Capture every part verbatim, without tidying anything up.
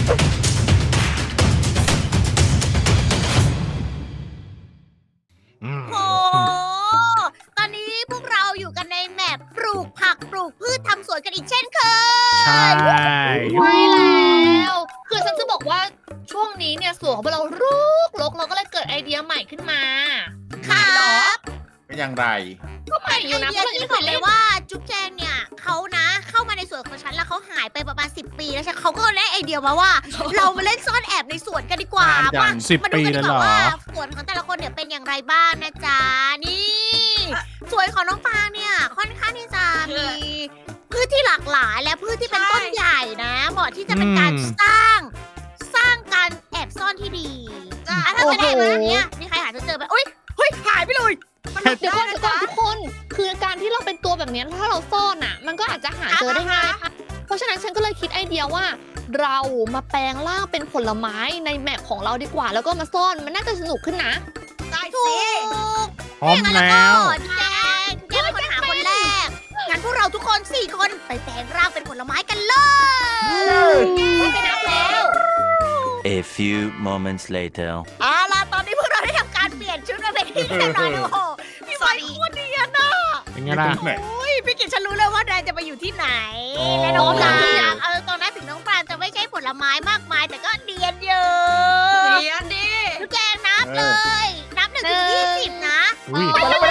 โอ้ตอนนี้พวกเราอยู่กันในแมปปลูกผักปลูกพืชทำสวนกันอีกเช่นเคยใช่ไม่แล้ว คือฉันจะบอกว่าช่วงนี้เนี่ยสวนของเรารกรกเราก็เลยเกิดไอเดียใหม่ขึ้นมาครับเป็นอย่างไรก็ใหม่อไอยู่นะเดียเพราะเราที่ยังบไม่อกเคยเลเล่ยนว่าจุ๊บแจงเนี่ยเขานะเข้ามาในสวนของฉันแล้วเขาหายไปประมาณสิบปีแล้วใช่เขาก็ได้ไอเดียมาว่า เรามาเล่นซ่อนแอบในสวนกันดีกว่านานจังมาสิบมาดูปีกันดีแล้วกเหรว่าอว่าสวนของแต่ละคนเนี่ยเป็นอย่างไรบ้างนะจ๊ะนี่สวนของน้องปางเนี่ยค่อนข้างที่จะมีพืชที่หลากหลายและพืชที่เป็นต้นใหญ่นะเหมาะที่จะเป็นการอืมสร้างสร้างการแอบซ่อนที่ดีอ่ะถ้าเป็นแบบนี้มีใครหาเจอไหมอุ้ยเฮ้ยหายไปเลยเดี๋ยวก่อนเดี๋ยวก่อนทุกคน คือการที่เราเป็นตัวแบบนี้ถ้าเราซ่อนอ่ะ มันก็อาจจะหาเจอได้ง่ายค่ะเพราะฉะนั้นฉันก็เลยคิดไอเดียว่า เรามาแปลงร่างเป็นผลไม้ในแมปของเราดีกว่า แล้วก็มาซ่อนมันน่าจะสนุกขึ้นนะได้ถูกพร้อมแล้วแจงแจงเป็นคนหาคนแรก งั้นพวกเราทุกคนสี่คนไปแปลงร่างเป็นผลไม้กันเลยไปนับแล้ว A few moments later. เอาล่ะตอนนี้พวกเราได้ทำการเปลี่ยนชุดมาเป็นที่เรียบร้อยแล้วโอ้โหพี่ไม้โคตรเนียนอ่ะเป็นไงล่ะไหนโอ้ยพี่กิตฉันรู้เลยว่านายจะไปอยู่ที่ไหนอ๋อและน้องปรางเออตอนนั้นถึงน้องปรางจะไม่ใช่ผลไม้มากมาย แต่ก็เนียนเยอะเนียนดิทุกแกงนับเลย นับหนึ่งถึงยี่สิบนะอุ้ยสาม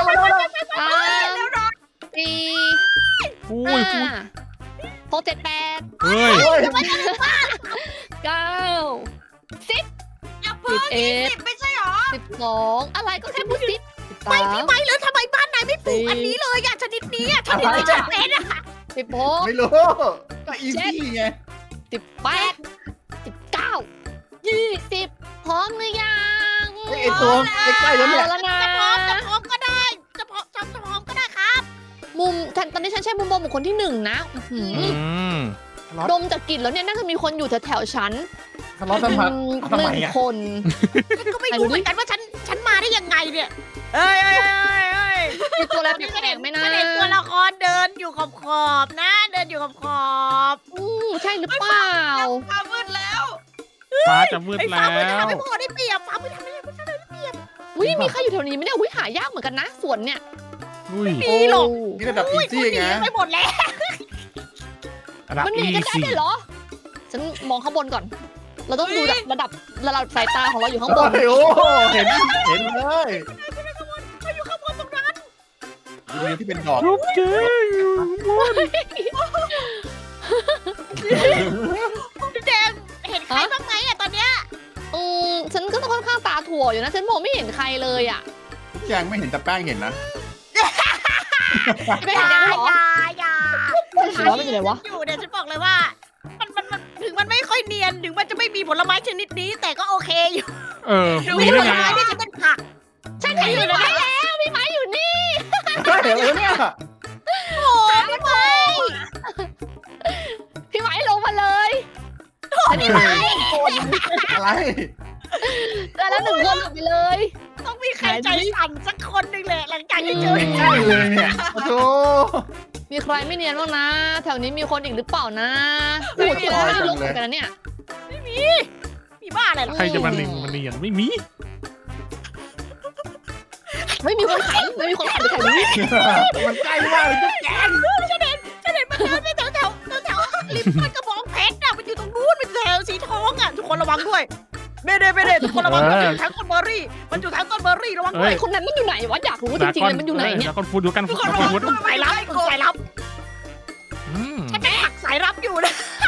สี่อุ้ห้ายอุ้ยหกเจ็ดแปดเฮ้ยเก้าสิบอย่าเพิ่งเอ็ดสิบไม่ใช่หรอสิบสองอะไรก็แค่พูดสิบสิบสาไม่มพี่ไม้เลยทำไมบ้านนายไม่ปลูกอันนี้เลยอะชนิดนี้อะชนิดที่ฉันเป็นอะสิบหกไม่รู้ ก็อีซี่ไงสิบแปดสิบเก้ายี่สิบพร้อมหรือยังไอ้ไอ้ตัวใกล้ๆแล้วเนี่ยเอาแล้วนะจะพร้อมจะพร้อมก็ได้ จะพร้อมจะจะพร้อมก็ได้ครับมุมฉันตอนนี้ฉันใช้มุมมองบุคคลที่หนึ่งนะอื้อหืออืมดมจากกลิ่นแล้วเนี่ยน่าจะมีคนอยู่แถวๆฉันทะเลาะทำไมอืมทำหไมนึ่งอ่ะคนฉันก็ไม่รู้เหมือนกันว่าฉันฉันมาได้ยังไงเนี่ยเอ้ยเอ้ยเอ้ยเอ้ยมีตัวอะไรนี่แปลกๆไหมนะฉันเห็นตัวละครเดินอยู่ขอบขอบๆนะ เดินอยู่ขอบขอบๆอืมใช่หรือเปล่าฟ้ามืดแล้วฟ้าจะมืดไอ้แล้ฟ้ามืดจะวทำให้พวกเราได้เปรียบฟ้ามืดทำให้พวกเราได้เปรียบอุ้ยมีใครอยู่แถวนี้ไหมเนี่ยอุ้ยหายากเหมือนกันนะสวนเนี่ยอุ้ยมีหรอกโนี่ระดับอีอุ้ยซี่คุณหนีไงไปหมดแล้วระดับมันหนีอีกันได้สี่ด้วยเหรอ ฉันมองข้างบนก่อน เราต้องดูระดับระดับสายตาของเราอยู่ข้างบนโอ้โหเห็นเห็นเลยเขาอยู่ข้างบนตรงนั้นดูที่เป็นดอกรูปเจ๊อยู่บนพี่แดงเห็นใครบ้างไหมอะตอนเนี้ยอืมฉันก็ต้องค่อนข้างตาถั่วอยู่นะ ฉันมองไม่เห็นใครเลยอ่ะแจงไม่เห็นแต่แป้งเห็นนะไม่อเห็นย่ากันเหรออย่าอย่าหัวมันอยู่ไหนวะอยู่เนี่ยฉันบอกเลยว่า มันมันมันถึงมันไม่ค่อยเนียนถึงมันจะไม่มีผลไม้ชนิดนี้ แต่ก็โอเคอยู่เออมีมีผได้ลไงไม้อะที่จะเป็นผักฉันเห็นอยู่นะแล้วพี่ไม้อยู่นี่เห็นแล้วเนี่ยโอ้พี่ไม้พี่ไม้ลงมาเลยพี่ไม้อะไรแต่แล้วหนึ่งคนลงไปเลยต้องมีใครใจสั่นสักคนหนึ่งเลยหลังจากที่เจอใช่เลยเนี่ยโอ้โหมีใครไม่เนียนบ้างนะ แถวนี้มีคนอีกหรือเปล่านะโอ้โหเที่ยวไม่ได้ลกเหมือนกันนะเนี่ยมีบ้าอะไรหรอใครจะมาหนึ่งมันเนียนไม่มีไม่มีคนขายไม่มีคนขายไปแถวนี้มันใกล้มากเลยจุ๊บแจงฉันเห็นฉันเห็นมันเดินไปแถวแถวแถวแถวริมต้นกระบองเพชรอะมันอยู่ตรงนู้นเป็นแถวสีทองอะทุกคนระวังด้วยเม่เด้เม่เด้ทุกคนระวังมันอยู่ทางต้นเบอร์รี่ มันอยู่ทางต้นเบอร์รี่ระวังด้เฮ้วยยคนนั้นมันอยู่ไหนวะอยากรู้จริงๆเลยมันอยู่ไหนเนี่ยดราก้อนฟูดดูกันทุฟูกดคนระดราวัก้อง นฟูดสายลับสายลับอืมฉันเป็นผักสายลับอยู่นะ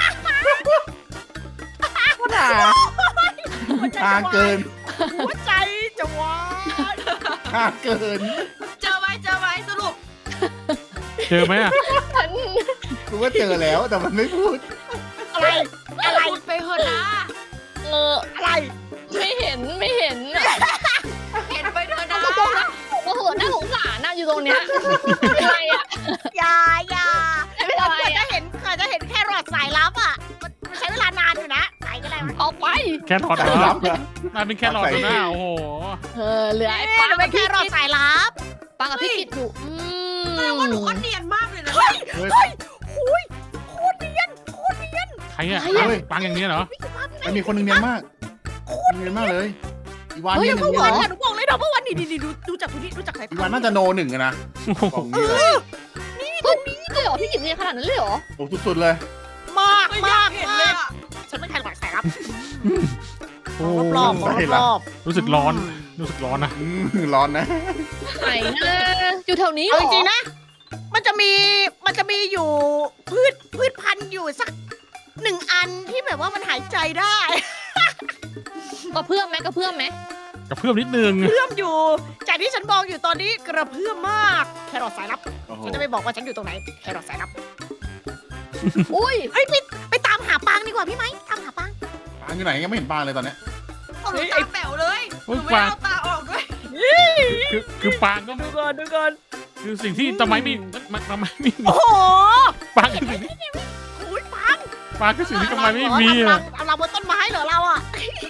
หนาทางเกินหัวใจจะวายทางเกินเจอไว้เจอไว้สรุปเจอไหมอะฉันกูว่าเจอแล้วแต่มันไม่พูดอะไรอะไรพูดไปเถอะนะเอออะไรไม่เห็นไม่เห็นเห็นไปเถอะนะตรงนะโอ้โหน่าสงสารน่าอยู่ตรงเนี้ยอะไรอ่ะอย่าอย่าไม่เราเป็นไรควรจะอ่ะเห็นควรจะเห็นแค่รอดสายลับอ่ะมันมันใช้เวลานานอยู่นะไหนก็ได้วะออกไปแค่รอดสาเหยรลัอบเหรอมาเป็นแค่รอดตัวหน้าโอ้โหเออเหลือไอ้เอ๊ะปังมันเป็นแค่รอดสายลับปังกับพี่กิตอยู่อืแสดงว่าหนูมก็เนียนมากเลยนะเฮ้ยเฮ้ยเฮ้ยโอ้ยโคตรเนียนโคตรเนียนใครอะใครอะปังปังอย่างนี้เหรอพี่สุภาพพี่มันมีคนหนึ่งเนียนมากเนียนมากเลยอีวานเฮ้ยเนี่ยหเมื่นึ่อง วานเนียนอะหนูบอกเลยนะเมื่อวานนี่นี่ดูดูจากตรงนี้ดูจากสายอีตาวานน่าจะโนหนึ่งอะนะบอกนี้เลยตรงนี้เลยเหรอพี่กิจเนี่ยขนาดนั้นเลยเหรอโอ้สุดๆเลยมากไม่อมายากกเห็นมาเลยกอ่ะฉันเป็นใครหลักสายลับโอ้รอบๆรอบๆรอบรู้สึกร้อน รู้สึกร้อนนะอืมร้อนนะไหนนะอยู่แถวนี้ๆเหรเอาอจริงๆนะ มันจะมีมันจะมีอยู่พืชพืชพันธุ์อยู่สักหนึ่งอันที่แบบว่ามันหายใจได้กระเพื่อมไหมกระเพื่อมไหมกับเพื่อนนิดนึงเพื่อมอยู่ จากที่ฉันมองอยู่ตอนนี้กระเพื่อมมาก แครอทสายลับโอ้โหฉันจะไม่บอกว่าฉันอยู่ตรงไหน แครอทสายลับอุ้ยเฮ้ยไปไปตามหาปังดีกว่าพี่ไหมตามหาปังปางอยู่ไหนยังไม่เห็นปางเลยตอนเนี้ยเอาหนูตาแป๋วเลยเฮ้หยนูไม่ปลาเอาตาออกด้วยคือคือปางก็ดูก่อนดูก่อนคือสิ่งที่ทำไมไม่มันทำไมไม่มีโอ้โหปางคือสิ่งที่อุ้ยปังปางคือสิ่งที่ทำไมไม่มีทำรัอะงทำรังบนต้นไม้เหรอเราอ่ะ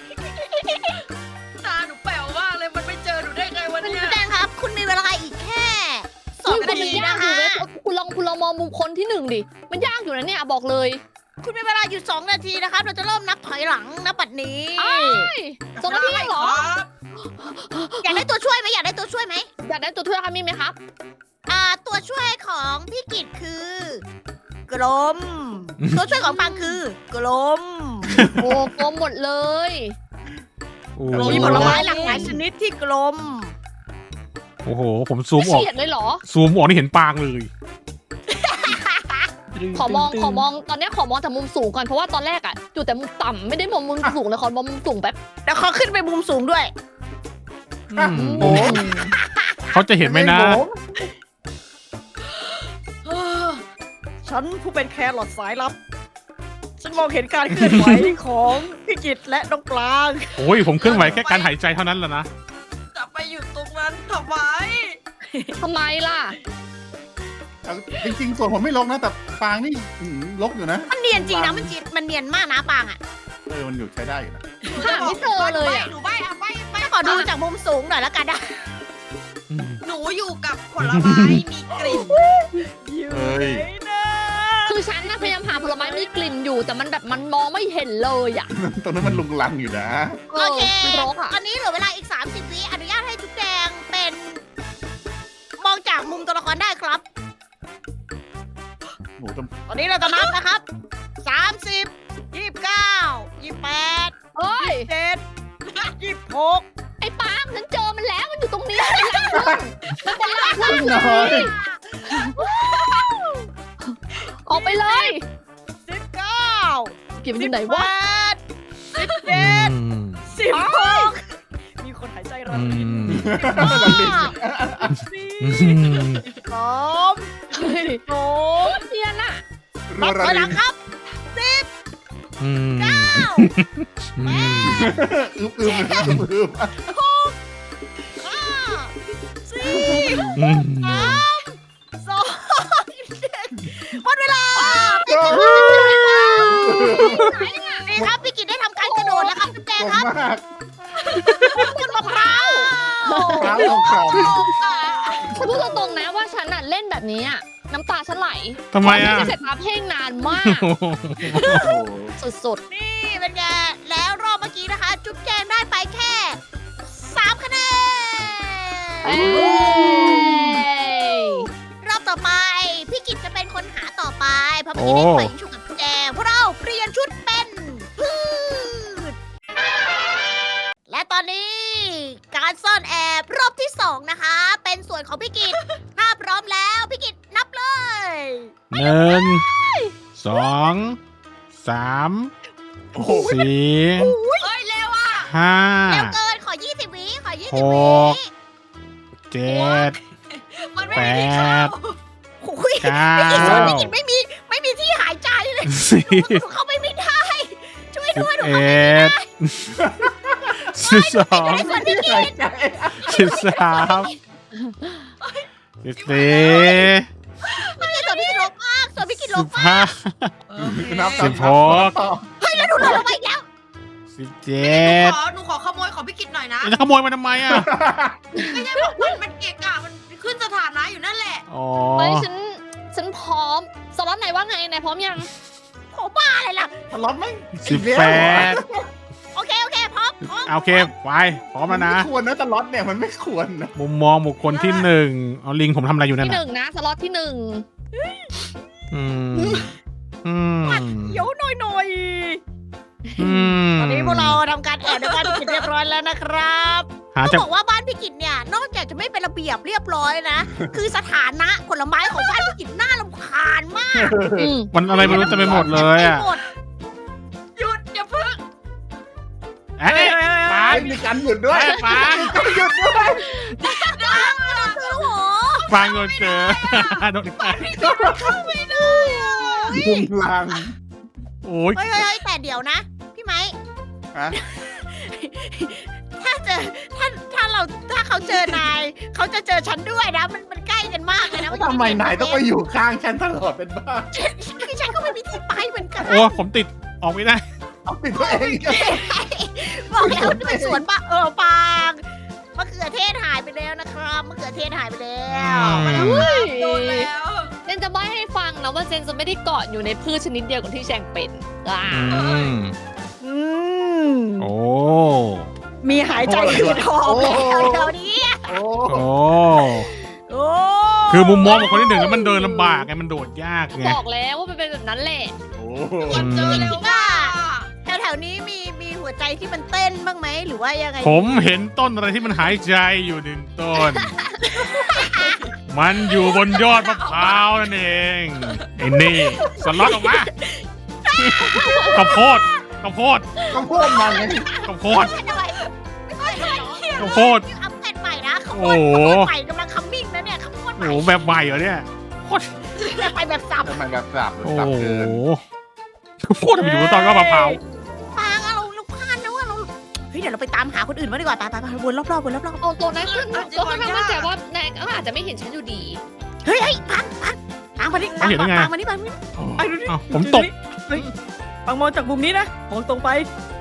ตาหนูแป๋วมากเลยมันไม่เจอหนูได้ไงวันคุณเนี้ยแดงครับ คุณมีเวลาอีกแค่สองอุ้ยนามันทียากนะอยู่คะเลยคุณลองคุณลองมองมุมคนที่หนึ่งดิมันยากอยู่นะเนี่ยบอกเลยคุณมีเวลาอยู่สองนาทีนะครับ เราจะเริ่มนับถอยหลังนับปัดนี้สองนาทีเองเหรอครับอยากได้ตัวช่วยไหมอยากได้ตัวช่วยไหมอยากได้ตัวช่วยคะมีไหมครับอ่าตัวช่วยของพี่กิตคือ กลม ตัวช่วยของปังคือ กลมโอ้กลมหมดเลยโอ้มีผลไม้หลากหลายชนิดที่กลมโอ้โห ผมซูมออกเฉียดเลยเหรอซูมออกนี่เห็นปางเลยขอมองขอมองตอนเนี้ยขอมองแต่มุมสูงก่อนเพราะว่าตอนแรกอะอยู่แต่มุมต่ำไม่ได้มองมุมสูงเลยขอมองมุมสูงแป๊บเดี๋ยวเขาขึ้นไปมุมสูงด้วยอืมโอ้เขาจะเห็นไหมนะฉันผู้เป็นแครอทสายลับ ฉันมองเห็นการเคลื่อนไหวของพี่กิตและน้องปลางโอ้ย ผมเคลื่อนไหวแค่การหายใจเท่านั้นแหละนะจะไปอยู่ตรงนั้นทำไมทำไมล่ะเอาจริงๆส่วนผมไม่ลกนะแต่ปางนี่อืมลกอยู่นะมันเนียนจริงนะมันจีมันเนียนมากนะปางอ่ะเออมันอยู่ใช้ได้อยู่นะหาไม่เจอเลยอะหนูใบอ่ะใบใบขอดูจากมุมสูงหน่อยแล้วกันนะหนูอยู่กับผลไม้มีกลิ่นเอ้ยคือฉันนะพยายามหาผลไม้มีกลิ่นอยู่ แต่มันแบบมันมองไม่เห็นเลยอะตรงนั้นมันลุงลังอยู่นะเอโออเคมันรกอะตอนนี้เหลือเวลาอีก สามสิบ วิอนุญาตให้จุ๊บแดงเป็น มองจากมุมตัวละครได้ครับโอ้โหแต่ตอนนี้เราจะนับนะครับ สามสิบ ยี่สิบเก้า ยี่สิบแปดเฮ้ยเจ็ด ยี่สิบหกไอ้ปาล์มฉันเจอมันแล้วมันอยู่ตรงนี้มันเป็นรังผึ้งมันเป็นรังผึ้งน้อยออกไปเลยสิบเก้าเก็บมันอสิบยู่ไหนแปวะดสิบเจ็ดอืมสิบหกมีคนหายใจรันอืรินมห้าสี่อืมสามเฮ้ยสองเนียนอะนับถอยหลังครับสิบอืมเก้าอืมอึบอึบอึบอึบห้าสี่อืมสามสองหนึ่งหมดเวลานี่ครับพี่กิตได้ทำการกระโดดแล้วครับคุณแจตงรงครับมากคุณมะพร้าวเท้าของของฉันพูดตรงๆนะว่าฉันน่ะเล่นแบบนี้อะน้ำตาฉันไหลทำไมอ่ะเพราะฉันเสร็จตาเพ่งนานมากโอ้โหโอ้โหสุดนี่เป็นไงแล้วรอบเมื่อกี้นะคะ จุ๊บแจงได้ไปแค่สามคะแนๆเอ้นยรอบต่อไป พี่กิตจะเป็นคนหาต่อไป เพราะเมื่อกี้ได้ปล่อยยิงฉุกกับจุ๊บแจงพวกเราเปลี่ยนชุดเป็นพืชและตอนนี้การซ่อนแอบรอบที่สองนะคะ เป็นส่วนของพี่กิตถ้าพร้อมแล้วพี่กิตนับเลยหนึ่งสองสามโอ้โหสี่เอ้ยเร็วอ่ะห้าเร็วเกินขอยี่สิบวิขอยี่หสิบวิก เจ็ดมันไม่มีที่เข้าโอ้ยเก้าพี่กิตส่วนพี่กิตไม่มีไม่มีที่หายใจเลยสิบหนูเข้าไปไม่ได้ ช่วยสิบด้วยหนูเอเข้าไปไม่ได้ดสิบสองไอ้ส่วนพี่กิตสิบสามสิบสี่ไม่ใช่ส่วนพี่กิตลบมากส่วนพี่กิตลสิบบ มากห้านับสิบหกเฮ้ยแล้วหนูลงลงไปอีกแล้วสิบหเจ็นูดขอหนูขอขโมยของพี่กิตหน่อยนะจะขโมยมาทำไมอ่ะไม่ใช่บอกมันมันเกะกะมันขึ้นสถานะอยู่นั่นแหละอ๋อเฮ้ยฉันฉันพร้อมสล็อตไหนว่าไงนายพร้อมยังผมบ้าอะไรล่ะทะเลาะไหมสิบแปดโอเคไปพร้อมแล้วนะไม่ควรนะตลอดเนี่ยมันไม่ควรนะมุมมองบุคคลที่หนึ่งเอาลิงผมทำอะไรอยู่นั่นที่หน่ะนึ่งนะสล็อตที่หนึ่งอืมอืมเดี๋ยวหน่อยหน่อยอืมตอนนี้พวกเราทำการแอบในบ้านพี่กิจเรียบร้อยแล้วนะครับหาต้องจากบอกว่าบ้านพี่กิจเนี่ยนอกจากจะไม่เป็นระเบียบเรียบร้อยนะ คือสถานะผลไม้ของบ้านพี่กิจน่ารำคาญมากอืมมันอะไรไม่รู้จะไปหมดเลยอ่ะหมดหยุดอย่าเพิ่งเอ้ยปาไม่งมีการหยุดด้วยเอ้ยปางหยุดด้วยโอ้โหปางโดนเจอโดนฆ่ามุมลางโอ้ยเฮ้ยเฮ้ยเฮ้ยแต่เดี๋ยวนะ พี่ไม้ฮะถ้าเจอถ้าถ้าเราถ้าเขาเจอนายเขาจะเจอฉันด้วยนะ มันมันใกล้กันมากเลยนะแล้วทำไมนายต้องมาอยู่ข้างฉันตลอดเป็นบ้าคือฉันก็ไม่มีที่ไปเหมือนกันโอ้ผมติดออกไม่ได้เอาปิดตัวเองบอกแล้วนี่มันสวนปะเออปางมะเขือเทศหายไปแล้วนะครับมะเขือเทศหายไปแล้วอืมโดนแล้วเจนจะไม่ให้ฟังนะว่าเจนจะไม่ได้เกาะอยู่ในพืชชนิดเดียวกับที่แชงเป็นอ่าอืมอืมโอ้มีหายใจอืดหอบแล้วเดี๋ยวนี้โอ้โอ้โอ้คือมุมมองของคนที่หนึ่งแล้วมันเดินลำบากไงมันโดดยากไงบอกแล้วว่ามันเป็นแบบนั้นแหละโหอืมเจอแล้วว่าแถวๆนี้มีมีหัวใจที่มันเต้นบ้างไหมหรือว่ายังไงผมเห็นต้นอะไรที่มันหายใจอยู่หนึ่งต้น มันอยู่บนยอดมะพร้าวนั่นเองไอ้นี่สล็อตออกมาข้าวโพดข้าวโพดต้องพูดมันไงข้าวโพดไม่เป็นไรไม่เป็นไรหรอกข้าวโพดอัพเกรดใหม่นะขบโอ้วนโหขบวนใหม่กำลังคัมมิ่งนะเนี่ยขบวนใหโอ้ม่โหแบบใหม่เหรอเนี่ยโคตรจะไปแบบสับทำไมแบบสับหรือโอ้สับโหเกินข้าวโพดมันอยู่บนต้นก็มะพร้าวปางอะเราเราพลาดนะว่าเราเฮ้ยเดี๋ยวเราไปตามหาคนอื่นมาดีกว่าไปไปไปวนรอบๆวนรอบเอาตัวนั้นขึ้นตัวข้างๆมั่นใจว่านายก็อาจจะไม่เห็นฉันอยู่ดีๆเฮ้ยเฮ้ยปางปางปางมาดิปางปางมาดิปางมาดิไอ้ดูผมตกปางมองจากมุมนี้นะมองตรงไป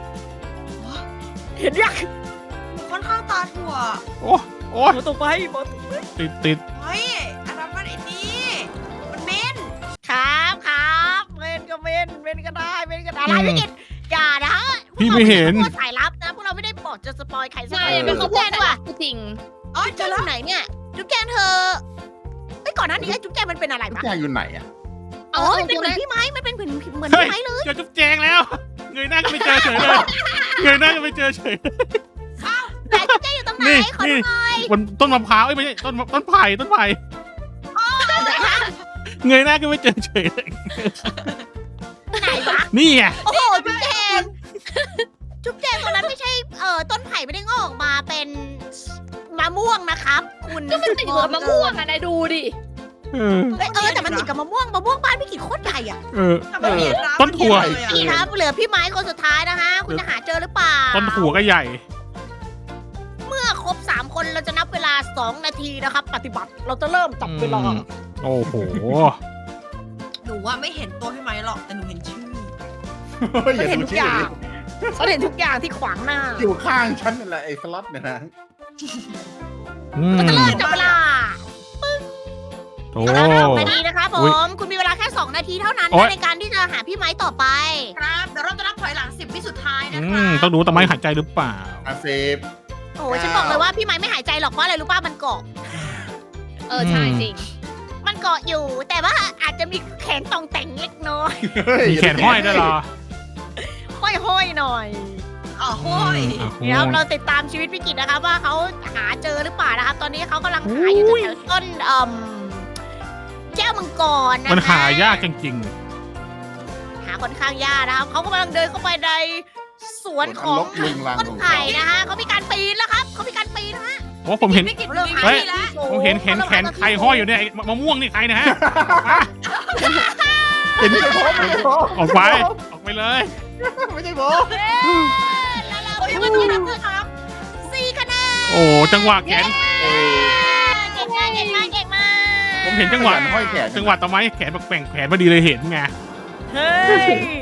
เห็นยังค่อนข้างตาถั่วโอ้โอ้มองตรงไปมองติดติดเฮ้ยอันนั้นมันไอ้นี่มันเม้นครับครับเมนก็เมนเมนก็ได้เมนก็ได้อะไรไม่กินอย่านะพี่ไม่เห็นพวกเราไม่ได้พูดสายลับนะพวกเราไม่ได้บอกจะสปอยใครสักใช่คนเป็นข้าวโพดจุ๊บแจงดีกว่าจริงอ๋อจุ๊บเจแจองอแล้วยู่ไหนเนี่ยจุ๊บแจงเธอไอ้ยก่อนหน้านี้ไอ้จุ๊บแจงมันเป็นอะไรทุกปะอย่างอยู่ไหนอ่ะเอาอ๋อเอามันเป็นตัวเหมือนั้นนพี่ไม้มันเป็นเหมือนเหมือนเฮ้ยพี่ไม้เลยเจอจุ๊บแจงแล้ว เงยหน้าก็ไม่เจอเฉยเลยเงยหน้าก็ไม่เจอเฉยแต่จุ๊บแจงอยู่ตรงไหนนี่ขอดูนี่หน่อยบนต้นมะพร้าวเอ้ยไม่ใช่ต้นต้นไผ่ต้นไผ่เงยหน้าก็ไม่เจอเฉยเลยไหนวะนี่ไงโอ้โหจุ๊บแจงจุ๊บแจงตรงนั้นไม่ใช่เอ่อต้นไผ่ไม่ได้งอกออกมาเป็นมะม่วงนะครับคุณก็มันติดอยู่กับมะม่วงอ่ะนายดูดิเออเอ้ยเออแต่มันติดกับมะม่วงมะม่วงบ้านพี่กิจโคตรใหญ่อะเออแต่มันเห็นร้านต้นถั่วมันเห็นเลยอะนี่ครับเหลือพี่ไม้คนสุดท้ายนะคะ คุณจะหาเจอหรือเปล่าต้นถั่วก็ใหญ่เมื่อครบสามคนเราจะนับเวลาสองนาทีนะครับ ปฏิบัติเราจะเริ่มจับเวลาอืม โอ้โหหนูว่าไม่เห็นตัวพี่ไม้หรอกแต่หนูเห็นชื่อฉันเห็นทุกอย่างฉันเห็นทุกอย่างที่ขวางหน้าอยู่ข้างฉันนั่นแหละไอ้สล็อตเนี่ยนะอืมเราจะเริ่มจับเวลาโอ้แล้วสองนาทีนะครับผอุ๊ยมคุณมีเวลาแค่สองนาทีเท่านั้นโอ๊ยนะในการที่จะหาพี่ไม้ต่อไปครับเดี๋ยวเราจะนับถอยหลังสิบวิสุดท้ายนะอืครัมบต้องดูต้นไม้หายใจหรือเปล่าอาเซฟโอ้ยฉันบอกเลยว่าพี่ไม้ไม่หายใจหรอกเพราะอะไรรู้ป่ะมันเกาะเออใช่จริงมันเกาะอยู่ แต่ว่าอาจจะมีแขนตองแต่งเล็กน้อยมีแขนห้อยด้วยเหรอห้อยๆหน่อยอ๋อโห้ยอืมเดี๋ยวเราติดตามชีวิตพี่กิจนะครับว่าเขาหาเจอหรือเปล่านะครับ ตอนนี้เขากำลังหาอยู่แถวๆต้นเอ่มแก้วมังกรนะคะมันหายากจริงหาค่อนข้างยากนะครับเขากำลังเดินเข้าไปในสวนของลบลุงลังต้นของไผ่เขานะฮะเขามีการปีนแล้วครับเขามีการปีนนะฮะๆ เพราะผมเห็นพี่กิจเริ่มมีหาเฮ้ยที่แล้วผมเห็นเห็นแขนใครห้อยอยู่เนี่ยไอ้มะม่วงนี่ใครนะฮะเห็นไม่ใช่ผมไม่ใช่ผมออกไป ออกไปเลยไม่ใช่ผมแล้วเราไปวันนี้นะครับสี่คะแนนโอ้จังหวะแขนเออเก่งมากเก่งมากเก่งมากผมเห็นจังหวะห้อยแขนจังหวะต้นไม้แขนแบบแกว่งแขนพอดีเลยเห็นไงเฮ้ย